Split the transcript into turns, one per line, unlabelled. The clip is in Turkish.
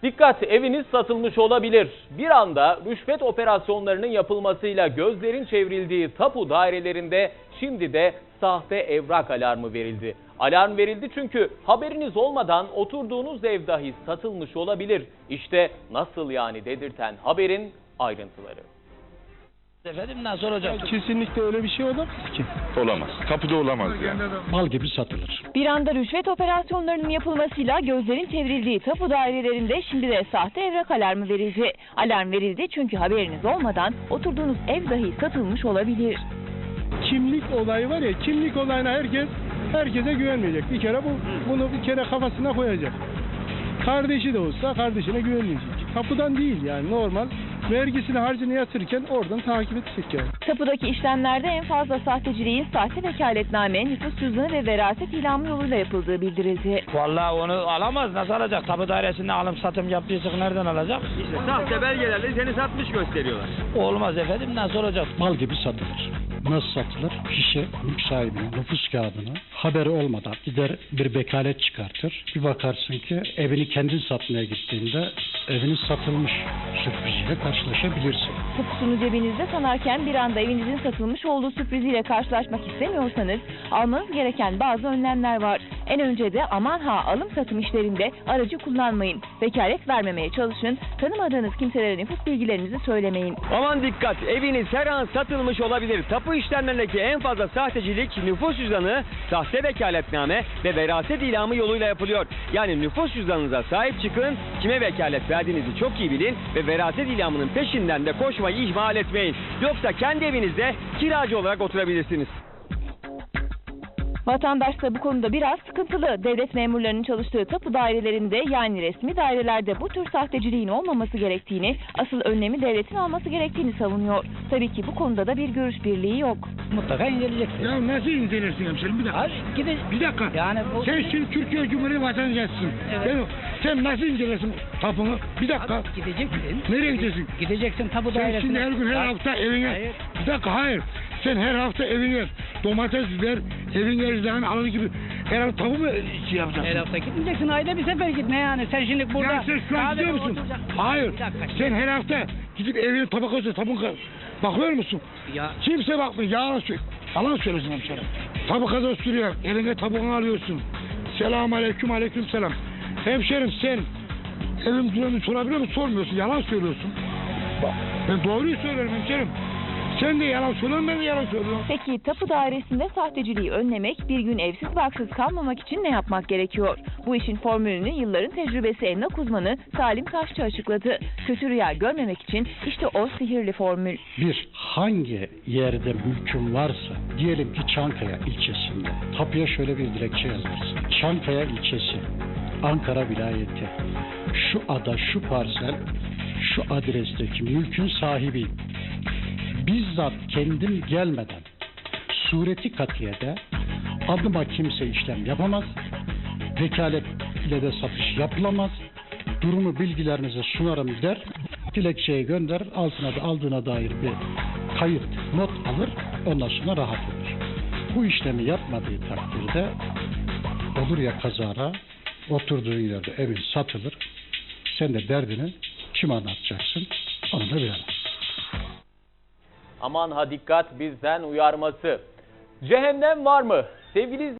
Dikkat, eviniz satılmış olabilir. Bir anda rüşvet operasyonlarının yapılmasıyla gözlerin çevrildiği tapu dairelerinde şimdi de sahte evrak alarmı verildi. Alarm verildi çünkü haberiniz olmadan oturduğunuz ev dahi satılmış olabilir. İşte nasıl yani dedirten haberin ayrıntıları.
Efendim nasıl olacak?
Kesinlikle öyle bir şey olamaz ki.
Olamaz. Kapıda olamaz yani.
Mal gibi satılır.
Bir anda rüşvet operasyonlarının yapılmasıyla gözlerin çevrildiği tapu dairelerinde şimdi de sahte evrak alarmı verildi. Alarm verildi çünkü haberiniz olmadan oturduğunuz ev dahi satılmış olabilir.
Kimlik olayı var ya, kimlik olayına herkese güvenmeyecek. Bir kere bunu bir kere kafasına koyacak. Kardeşi de olsa kardeşine güvenmeyecek. Kapıdan değil yani, normal. Vergisini harcını yatırırken oradan takip edecek yani.
Tapudaki işlemlerde en fazla sahteciliğin sahte vekaletname, nüfus cüzdanı ve veraset ilamı yoluyla yapıldığı bildirildi.
Vallahi onu alamaz. Nasıl alacak? Tapu dairesinde alım satım yaptıysa nereden alacak?
İşte sahte belgelerle seni satmış gösteriyorlar.
Olmaz efendim. Nasıl olacak?
Mal gibi satılır. Nasıl satılır? Kişi mülk sahibinin nüfus kağıdını haberi olmadan gider bir vekalet çıkartır. Bir bakarsın ki evini kendin satmaya gittiğinde eviniz satılmış sürpriziyle karşılaşabilirsin.
Tapusunu cebinizde sanarken bir anda evinizin satılmış olduğu sürpriziyle karşılaşmak istemiyorsanız almanız gereken bazı önlemler var. En önce de aman ha alım satım işlerinde aracı kullanmayın. Vekalet vermemeye çalışın. Tanımadığınız kimselere nüfus bilgilerinizi söylemeyin.
Aman dikkat, eviniz her an satılmış olabilir. Tapu işlemlerindeki en fazla sahtecilik nüfus cüzdanı, sahte vekaletname ve veraset ilamı yoluyla yapılıyor. Yani nüfus cüzdanınıza sahip çıkın, kime vekalet verdiğinizi çok iyi bilin ve veraset ilamının peşinden de koşmayı ihmal etmeyin. Yoksa kendi evinizde kiracı olarak oturabilirsiniz.
Vatandaş da bu konuda biraz sıkıntılı. Devlet memurlarının çalıştığı tapu dairelerinde yani resmi dairelerde bu tür sahteciliğin olmaması gerektiğini, asıl önlemi devletin alması gerektiğini savunuyor. Tabii ki bu konuda da bir görüş birliği yok.
Mutlaka inceleyeceksin.
Ya nasıl incelersin hemşerim? Bir dakika.
Hayır,
Bir dakika.
Yani
Sen şimdi Türkiye Cumhuriyeti vatandaşısın.
Evet.
Değil mi? Sen nasıl incelersin tapunu? Bir dakika.
Gideceksin.
Nereye gideceksin?
Gideceksin tapu
Sen
dairesine.
şimdi her gün her hafta evine...
Hayır.
Bir dakika, hayır. Sen her hafta evine domates ver, evin erzağını alır gibi her hafta tapu mu yapacaksın?
Her hafta gitmeyeceksin. Ayda bir sefer gitme yani. Sen şimdi burada...
Ya sen şu an gidiyor musun? Hayır.
Bir dakika.
Sen her hafta gidip evine tabak olsa bakıyor musun?
Ya.
Kimse bakmıyor. Yalan söylüyorsun hemşerim. Tabakada sürüyor. Eline tabuğunu alıyorsun. Selamun aleyküm, aleyküm selam. Hemşerim sen evim duranı sorabiliyor musun? Sormuyorsun. Yalan söylüyorsun. Bak, ben doğruyu söylüyorum hemşerim. Sen de yalan söylüyorsun, ben de yalan söylüyorum.
Peki tapu dairesinde sahteciliği önlemek, bir gün evsiz barksız kalmamak için ne yapmak gerekiyor? Bu işin formülünü yılların tecrübesi emlak uzmanı Salim Taşçı açıkladı. Kötü rüya görmemek için işte o sihirli formül.
Hangi yerde mülkün varsa, diyelim ki Çankaya ilçesinde, tapuya şöyle bir dilekçe yazarsın. Çankaya ilçesi, Ankara vilayeti, şu ada, şu parsel, şu adresteki mülkün sahibiyim. Bizzat kendim gelmeden sureti katiyede adıma kimse işlem yapamaz, vekalet ile de satış yapılamaz, durumu bilgilerinize sunarım der, dilekçeyi gönder, altına da aldığına dair bir kayıt, not alır, ondan sonra rahat olur. Bu işlemi yapmadığı takdirde olur ya kazara, oturduğun yerde evin satılır, sen de derdini kime anlatacaksın, onu da bilemez.
Aman ha dikkat bizden uyarması. Cehennem var mı? Sevgili